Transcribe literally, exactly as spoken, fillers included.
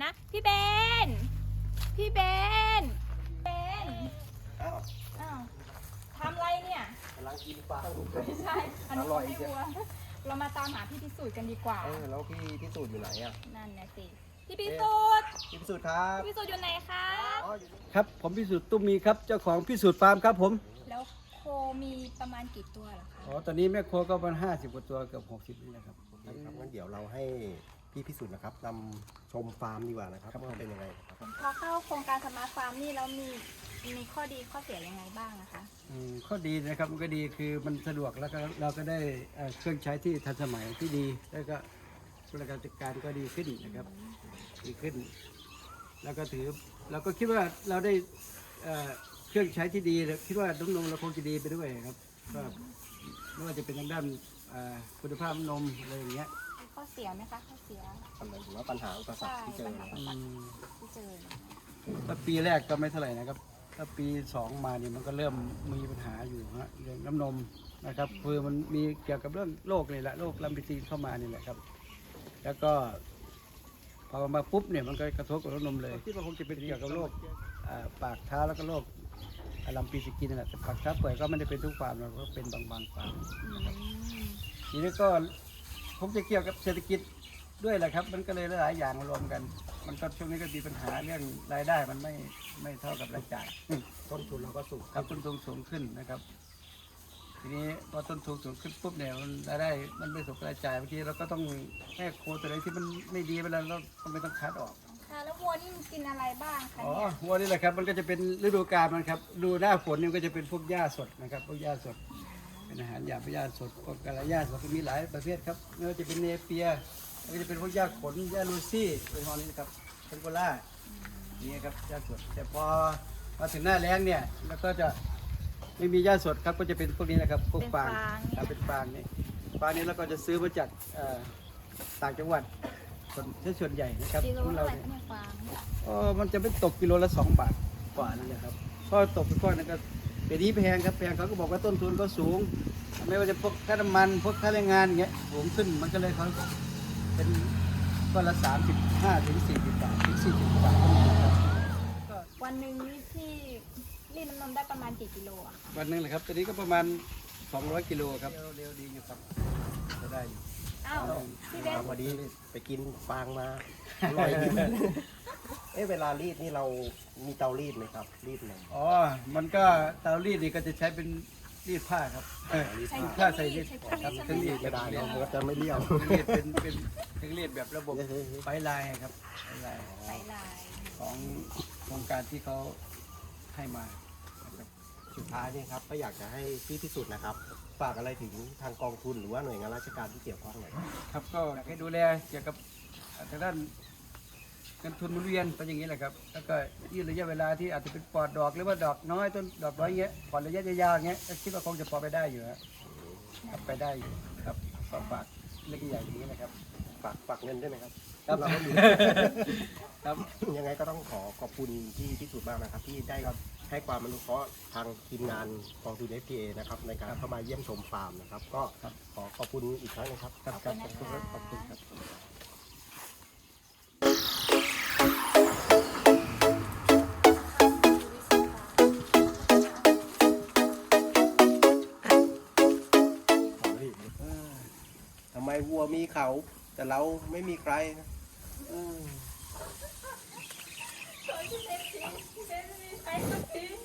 นะพี่เบนพี่เบนเบนอ้าวอ้าวทำอะไรเนี่ยกำลังกินปลาไม่ใช่อันนี้อร่อยให้เชียววัวเรามาตามหาพี่พิสูจน์กันดีกว่าเออแล้วพี่พิสูจน์อยู่ไหนอ่ะนั่นนะสิพี่พิสูจน์พี่พิสูจน์ครับพี่พิสูจน์อยู่ไหนคะอ๋ออยู่นี่ครับผมพิสูจน์ตุ้มมีครับเจ้าของพิสูจน์ฟาร์มครับผมแล้วโคมีประมาณกี่ตัวเหรอคะอ๋อตอนนี้แม่โคก็ประมาณห้าสิบกว่าตัวเกือบหกสิบนี่แหละครับโอเคครับงั้นเดี๋ยวเราให้พี่พิสูจน์นะครับนำชมฟาร์มดีกว่านะครับว่าเป็นยังไงครับพอเข้าโครงการสมาร์ทฟาร์มนี่แล้วมีมีข้อดีข้อเสียยังไงบ้างนะคะอืมข้อดีนะครับมันก็ดีคือมันสะดวกแล้วก็เราก็ได้เอ่อเครื่องใช้ที่ทันสมัยที่ดีแล้วก็บริการจัดการก็ดีขึ้นนะครับดีขึ้น แล้วก็ถือเราก็คิดว่าเราได้เอ่อเครื่องใช้ที่ดีคิดว่าน้ำนมเราคงจะดีไปด้วยครับก็ไม่ว่าจะเป็นทางด้านเอ่อคุณภาพนมอะไรอย่างเงี้ยมีข้อเสียไหมคะข้อเสียอะไรหรือว่าปัญหาอุปสรรคที่เจอนะครับอืมที่เจอเนี่ยถ้าปีแรกก็ไม่เท่าไหร่นะครับ ถ้าปีสองมาเนี่ยมันก็เริ่มมีปัญหาอยู่ฮะเรื่องน้ำนมนะครับคือมันมีเกี่ยวกับเรื่องโรคนี่แหละโรคลัมพิซีเข้ามานี่แหละครับ แล้วก็พอมาปุ๊บเนี่ยมันก็กระทบกับน้ำนมเลยที่มันคงจะเป็นเกี่ยวกับโรคอ่าปากเท้าแล้วก็โรคลัมพิซีกินนั่นแหละแต่ปากเท้าเปื่อยก็ไม่ได้เป็นทุกฟาร์มเราก็เป็นบางบางๆฟาร์มอืมทีนี้ก็คงจะเกี่ยวกับเศรษฐกิจด้วยแหละครับ มันก็เลยหลายๆอย่างมารวมกัน มันก็ช่วงนี้ก็มีปัญหาเรื่องรายได้มันไม่ไม่เท่ากับรายจ่ายต้นทุนเราก็สูงครับต้นทุนสูงขึ้นนะครับ ทีนี้พอต้นทุนสูงขึ้นปุ๊บเนี่ยมันรายได้มันไม่สมกับรายจ่ายบางทีเราก็ต้องแค่โคตัวไหนที่มันไม่ดีเวลาเราก็ไม่ต้องคัดออกค่ะแล้ววัวนี่มันกินอะไรบ้างคะอ๋อเนี่ยวัวนี่แหละครับมันก็จะเป็นฤดูกาลมันครับดูหน้าฝนเนี่ยมันก็จะเป็นพวกหญ้าสดนะครับพวกหญ้าสด เป็นอาหารหยาบหญ้าสดพวกกระหญ้าสดก็มีหลายประเภทครับไม่ว่าจะเป็นเนเปียแล้วก็จะเป็นพวกหญ้าขนหญ้าลูซี่เป็นพวกนี้นะครับเทนโกล่านี่ครับหญ้าสดแต่พอมาถึงหน้าแล้งเนี่ยแล้วก็จะไม่มีหญ้าสดครับก็จะเป็นพวกนี้นะครับพวกฟางครับเป็นฟางนี่ฟางนี้เราก็จะซื้อมาจากเอ่อต่างจังหวัดส่วนส่วนใหญ่นะครับกิโลของเท่าเราไหร่เนี่ยคะเนี่ยฟางอ๋อมันจะไม่ตกกิโลละสองบาทกว่านี่แหละครับเพราะตกไปก้อนนั้นก็เดี๋ยวนี้แพงครับแพงเขาก็บอกว่าต้นทุนก็สูง ไม่ว่าจะพวกค่าน้ำมันพวกค่าแรงงานอย่างเงี้ยสูงขึ้นมันก็เลยเขาเป็นก้อนละสามสิบห้าถึงสี่สิบบาทถึงสี่สิบบาทก็มีครับก็วันหนึ่งนี่ที่รีดน้ำนมได้ประมาณกี่กิโลอะคะวันหนึงแหละครับตอนนี้ก็ประมาณสองร้อยกิโลครับเร็วดีอยู่ครับก็ได้อยู่อ้าวพี่เบนพอดีไปกินฟางมาอร่อยดีเอ๊ะเวลารีดนี่เรามีเตารีดไหมครับ รีดนมอ๋อมันก็เตารีดนี่ก็จะใช้เป็นรีดผ้าครับเออใช้รีดเคผ้ารื่องใส่รีรีดดใช้เครื่องครัรีบดเครื่องรีดจะได้เราก็จะไม่เลี้ยวเครื่องรีดเป็นเป็นเครื่องรีดแบบระบบไฟลายครับไฟลายใส่ลายของโครงการที่เขาให้มานะครับสุดท้ายนี่ครับก็อยากจะให้พี่พิสูจน์นะครับ ฝากอะไรถึงทางกองทุนหรือว่าหน่วยงานราชการที่เกี่ยวข้องหน่อยครับก็อยากให้ดูแลเกี่ยวกับทางด้านเงินทุนหมุนเวียนเป็นอย่างนี้แหละครับแล้วก็ยืดระยะเวลาที่อาจจะเป็นปลอดดอกหรือว่าดอกน้อยต้นดอกน้อยเงี้ยผ่อนระยะยาวๆอย่างเงี้ยก็คิดว่าคงจะพอไปได้อยู่ฮะครับไปได้อยู่ครับก็ฝากเล็กใหญ่อย่างนี้นะครับฝากฝากเงินด้วยไหมครับครับเราไม่มีครับยังไงก็ต้องขอขอบคุณที่พิสูจน์มากนะครับ ที่ได้ให้ความอนุเคราะห์ทางทีมงานกองทุน เอฟ พี เอ นะครับในการเข้ามาเยี่ยมชมฟาร์มนะครับ ก็ขอขอบคุณอีกครั้งนะครับครับครับขอบคุณครับขอบคุณครับทำไมวัวมีเขาแต่เราไม่มีใครนะ